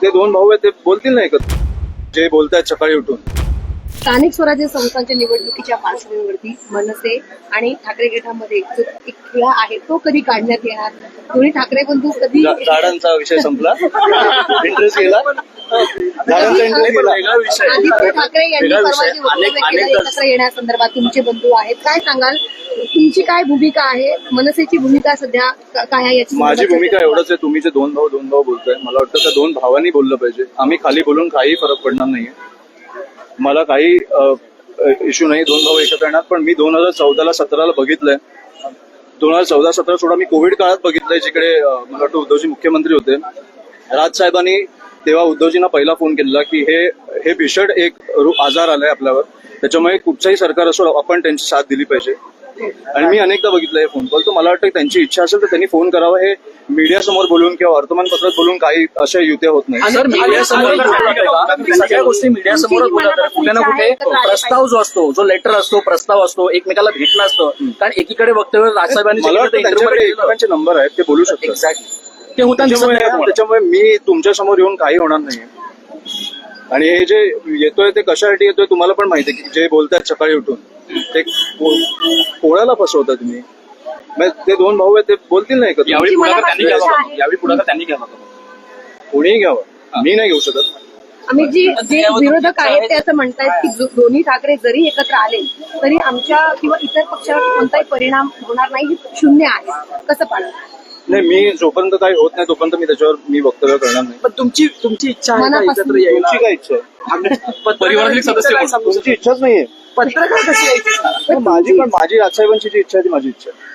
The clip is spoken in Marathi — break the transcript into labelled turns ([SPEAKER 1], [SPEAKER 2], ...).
[SPEAKER 1] ते दोन भाऊ आहेत ते बोलतील नाही एकत्र जे बोलतायत सकाळी उठून.
[SPEAKER 2] स्थानिक स्वराज्य संस्थांच्या निवडणुकीच्या पार्श्वभूमीवरती मनसे आणि ठाकरे गटामध्ये जो एक खेळा आहे तो कधी काढण्यात येणार? दोन्ही ठाकरे बंधू कधी
[SPEAKER 1] झाडांचा विषय संपला. इंटरेस्ट गेला. झाडांचा इंटरेस्ट गेला.
[SPEAKER 2] आदित्य ठाकरे यांनी परवा जे वक्तव्य केलं एकत्र येण्यासंदर्भात तुमचे बंधू आहेत, काय सांगाल? तुमची काय भूमिका आहे? मनसेची भूमिका सध्या काय आहे याची?
[SPEAKER 1] माझी भूमिका एवढंच आहे, तुम्ही जे दोन भाऊ बोलताय मला वाटतं त्या दोन भावांनी बोललं पाहिजे. आम्ही खाली बोलून काही फरक पडणार नाहीये. मला काही इश्यू नाही दोन भाऊ एकत्र येणार. पण मी 2014-17 बघितलंय. 2014-17 सोडा मी कोविड काळात बघितलंय जिकडे मला वाटतं उद्धवजी मुख्यमंत्री होते. राजसाहेबांनी तेव्हा उद्धवजींना पहिला फोन केला की हे भीषण एक आजार आलाय आपल्यावर, त्याच्यामुळे कुठचंही सरकार असो आपण त्यांची साथ दिली पाहिजे. आणि मी अनेकदा बघितलंय फोन कॉल. तर मला वाटतं त्यांची इच्छा असेल तर त्यांनी फोन करावा. हे मीडिया समोर बोलून किंवा वर्तमानपत्रात बोलून काही अशा युत्या होत नाही.
[SPEAKER 3] सर मीडिया समोर सगळ्या गोष्टी मीडिया समोर बोलतात. कुठे ना कुठे प्रस्ताव जो असतो, जो लेटर असतो, प्रस्ताव असतो, एकमेकाला भेटणं असतं. कारण एकीकडे वक्तव्य राजसाहेबांनी
[SPEAKER 1] मला वाटतं त्यांच्याकडे एकमेकांचे नंबर आहेत, ते बोलू शकतात.
[SPEAKER 3] एक्झॅक्टली ते होतं.
[SPEAKER 1] त्याच्यामुळे मी तुमच्या समोर येऊन काही होणार नाही. आणि हे जे येतोय ते कशासाठी येतोय तुम्हाला पण माहिती आहे की जे बोलतायत सकाळी उठून ते कोणाला फसवता तुम्ही. ते दोन भाऊ आहेत ते बोलतील नाही का?
[SPEAKER 3] यावेळी पुढाकार त्यांनी घ्यावा.
[SPEAKER 1] कोणीही घ्यावं, मी नाही घेऊ शकत.
[SPEAKER 2] आम्ही जे विरोधक आहेत ते असं म्हणतायत की दोन्ही ठाकरे जरी एकत्र आले तरी आमच्या किंवा इतर पक्षावर कोणताही परिणाम होणार नाही, हे शून्य आहे. कसं पाहिजे?
[SPEAKER 1] नाही, मी जोपर्यंत काही होत नाही तोपर्यंत मी त्याच्यावर वक्तव्य करणार नाही.
[SPEAKER 3] पण तुमची इच्छा आहे का
[SPEAKER 2] मनापासून?
[SPEAKER 3] एकत्र यायला?
[SPEAKER 1] तुमची काय इच्छा आहे?
[SPEAKER 3] परिवारातील सदस्य
[SPEAKER 1] तुमची इच्छाच नाहीये.
[SPEAKER 3] पत्रकार कशी यायची?
[SPEAKER 1] माझी राजसाहेबांची जी इच्छा आहे ती माझी इच्छा आहे.